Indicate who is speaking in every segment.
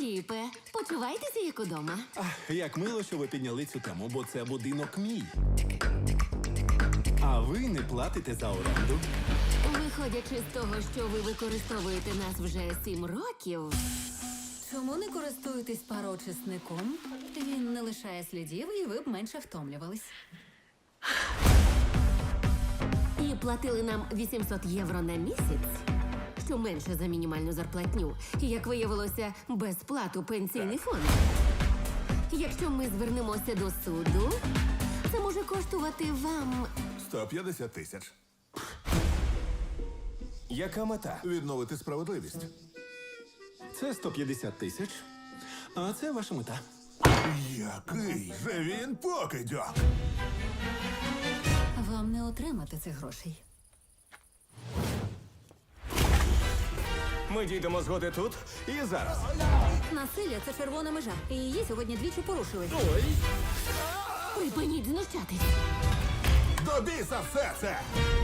Speaker 1: Філіпе, почувайтеся як удома.
Speaker 2: Як мило, що ви підняли цю тему, бо це будинок мій. А ви не платите за оренду.
Speaker 1: Виходячи з того, що ви використовуєте нас вже 7 років,
Speaker 3: Чому не користуєтесь пароочисником? Він не лишає слідів, і ви б менше втомлювались.
Speaker 1: і платили нам 800 євро на місяць, що менше за мінімальну зарплатню, і, як виявилося, безплату пенсійний фонд. Якщо ми звернемося до суду, це може коштувати вам
Speaker 4: 150 тисяч.
Speaker 5: Яка мета?
Speaker 4: Відновити справедливість.
Speaker 2: Це 150 тисяч. А це ваша мета.
Speaker 4: Який же він покидьок!
Speaker 3: Вам не отримати цих грошей.
Speaker 5: Ми дійдемо згоди тут і зараз.
Speaker 3: Насилля – це червона межа. І її сьогодні двічі порушили.
Speaker 1: припиніть знущатись.
Speaker 4: До біса все це!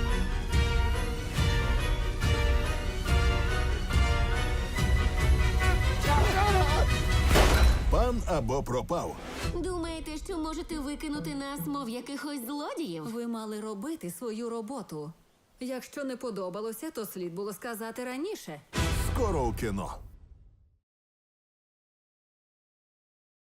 Speaker 4: Пан або пропав.
Speaker 1: Думаєте, що можете викинути нас, мов якихось злодіїв?
Speaker 3: Ви мали робити свою роботу. Якщо не подобалося, то слід було сказати раніше.
Speaker 4: Скоро у кіно.